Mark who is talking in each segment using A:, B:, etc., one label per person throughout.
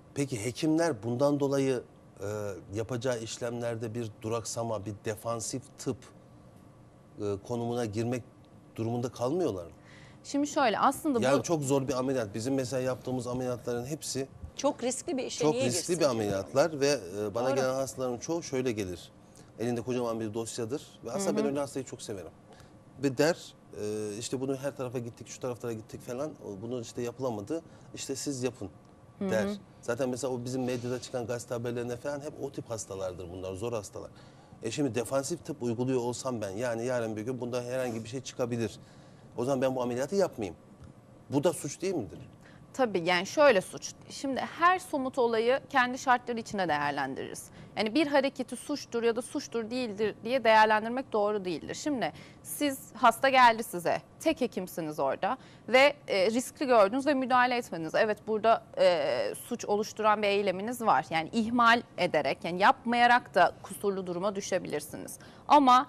A: Peki hekimler bundan dolayı yapacağı işlemlerde bir duraksama, bir defansif tıp konumuna girmek durumunda kalmıyorlar mı?
B: Şimdi şöyle aslında
A: Yani
B: bu
A: çok zor bir ameliyat. Bizim mesela yaptığımız ameliyatların hepsi
C: Çok riskli bir işe
A: çok
C: niye
A: riskli
C: girsin
A: bir
C: ki?
A: ameliyatlar ve bana
C: Doğru.
A: gelen hastaların çoğu şöyle gelir. Elinde kocaman bir dosyadır ve aslında ben öyle hastayı çok severim. Ve der işte bunu her tarafa gittik, şu taraflara gittik falan, bunu işte yapılamadı, işte siz yapın der. Zaten mesela o bizim medyada çıkan gazete haberlerinde falan hep o tip hastalardır bunlar, zor hastalar. Şimdi defansif tıp uyguluyor olsam ben, yani yarın bir gün bunda herhangi bir şey çıkabilir. O zaman ben bu ameliyatı yapmayayım. Bu da suç değil midir?
B: tabii yani şöyle suç. Şimdi her somut olayı kendi şartları içinde değerlendiririz. Yani bir hareketi suçtur ya da suçtur değildir diye değerlendirmek doğru değildir. Şimdi siz hasta geldi size, tek hekimsiniz orada ve riskli gördünüz ve müdahale etmediniz. Evet burada suç oluşturan bir eyleminiz var. Yani ihmal ederek, yani yapmayarak da kusurlu duruma düşebilirsiniz. Ama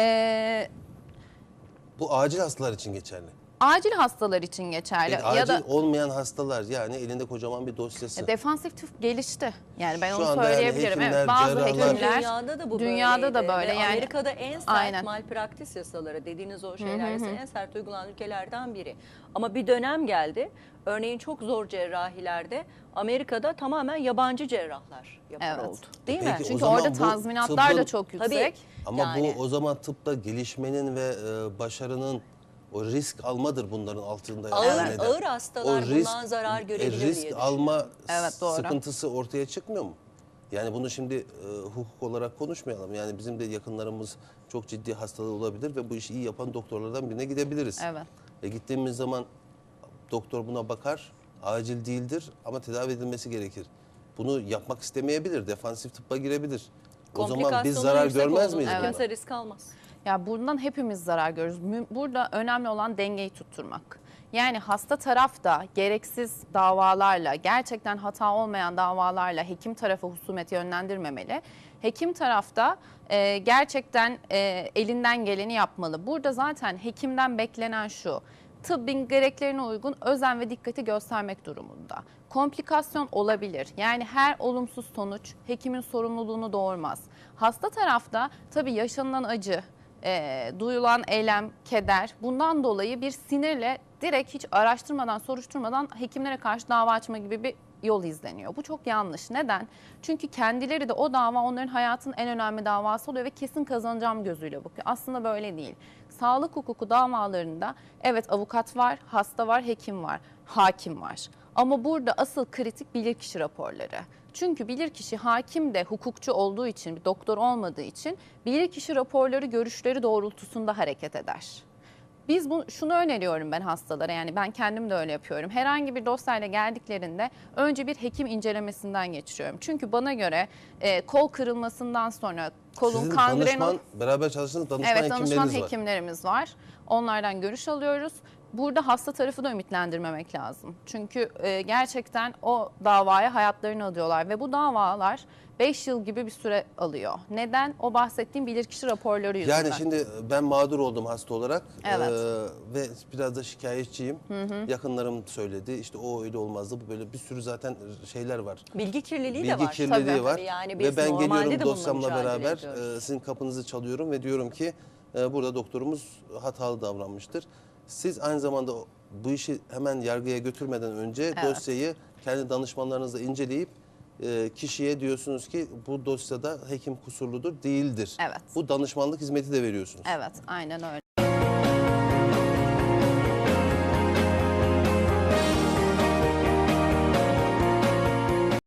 A: Bu acil hastalar için geçerli.
B: acil hastalar için geçerli
A: Peki,
B: ya
A: acil
B: da
A: olmayan hastalar, yani elinde kocaman bir dosyası.
B: defansif tıp gelişti. Yani ben
A: Şu
B: onu
A: anda yani
B: söyleyebilirim.
A: hekimler,
B: Evet, bazı
A: cerrahlar-
B: hekimler
C: Dünyada da bu
B: dünyada da
C: böyleydi.
B: böyle
C: Ve
B: yani.
C: Amerika'da en sert
B: Aynen.
C: malpraktis yasaları dediğiniz o şeyler en sert uygulanan ülkelerden biri. Ama bir dönem geldi. Örneğin çok zor cerrahilerde Amerika'da tamamen yabancı cerrahlar yapar
B: Evet.
C: oldu. Değil mi?
A: Peki, o
B: Çünkü
A: zaman
B: orada
A: bu
B: tazminatlar da
A: tıbbın-
B: çok
C: Tabii.
B: yüksek.
A: Ama
C: Yani.
A: bu o zaman tıpta gelişmenin ve başarının, o risk almadır bunların altında.
C: Ağır-
A: neden?
C: ağır hastalar bundan zarar görebilir diye
A: risk
C: düşünüyorum.
A: alma
B: Evet, doğru.
A: sıkıntısı ortaya çıkmıyor mu? Yani bunu şimdi hukuk olarak konuşmayalım. Yani bizim de yakınlarımız çok ciddi hastalığı olabilir ve bu işi iyi yapan doktorlardan birine gidebiliriz.
B: Evet.
A: Gittiğimiz zaman doktor buna bakar, acil değildir ama tedavi edilmesi gerekir. Bunu yapmak istemeyebilir, defansif tıbba girebilir. O zaman biz
C: Komplikasyonun
A: zarar
C: yüksek
A: görmez
C: olduğunda
A: miyiz bundan?
C: kimse risk almaz.
B: Ya bundan hepimiz zarar görürüz. Burada önemli olan dengeyi tutturmak. Yani hasta taraf da gereksiz davalarla, gerçekten hata olmayan davalarla hekim tarafı husumet yönlendirmemeli. Hekim tarafta gerçekten elinden geleni yapmalı. Burada zaten hekimden beklenen şu: tıbbın gereklerine uygun özen ve dikkati göstermek durumunda. Komplikasyon olabilir. Yani her olumsuz sonuç hekimin sorumluluğunu doğurmaz. Hasta tarafta tabii yaşanılan acı, duyulan eylem, keder, bundan dolayı bir sinirle direkt hiç araştırmadan, soruşturmadan hekimlere karşı dava açma gibi bir yol izleniyor. Bu çok yanlış. Neden? Çünkü kendileri de o dava onların hayatının en önemli davası oluyor ve kesin kazanacağım gözüyle bakıyor. Aslında böyle değil. Sağlık hukuku davalarında evet avukat var, hasta var, hekim var, hakim var. Ama burada asıl kritik bilirkişi raporları. Çünkü bilirkişi hakim de hukukçu olduğu için, bir doktor olmadığı için bilirkişi raporları görüşleri doğrultusunda hareket eder. Şunu öneriyorum ben hastalara, yani ben kendim de öyle yapıyorum. Herhangi bir dosyayla geldiklerinde önce bir hekim incelemesinden geçiriyorum. Çünkü bana göre kol kırılmasından sonra kolun
A: Sizin
B: kangren
A: danışman, beraber çalıştığınız danışman
B: Evet, danışman
A: hekimleriniz var.
B: hekimlerimiz var. Onlardan görüş alıyoruz. Burada hasta tarafı da ümitlendirmemek lazım. Çünkü gerçekten o davaya hayatlarını adıyorlar ve bu davalar 5 yıl gibi bir süre alıyor. Neden? O bahsettiğim bilirkişi raporları yüzünden.
A: Yani şimdi ben mağdur oldum hasta olarak
B: Evet.
A: ve biraz da şikayetçiyim. Yakınlarım söyledi, işte o öyle olmazdı, bu böyle, bir sürü zaten şeyler var.
C: Bilgi kirliliği de
A: Bilgi
C: var.
A: kirliliği
B: Tabii.
A: var
C: Yani biz
A: ve ben
C: normalde
A: geliyorum
C: de bununla
A: dosyamla
C: mücadele
A: beraber
C: ediyoruz.
A: sizin kapınızı çalıyorum ve diyorum ki burada doktorumuz hatalı davranmıştır. Siz aynı zamanda bu işi hemen yargıya götürmeden önce
B: Evet.
A: dosyayı kendi danışmanlarınızla inceleyip kişiye diyorsunuz ki bu dosyada hekim kusurludur, değildir.
B: Evet.
A: Bu danışmanlık hizmeti de veriyorsunuz.
B: Evet, aynen öyle.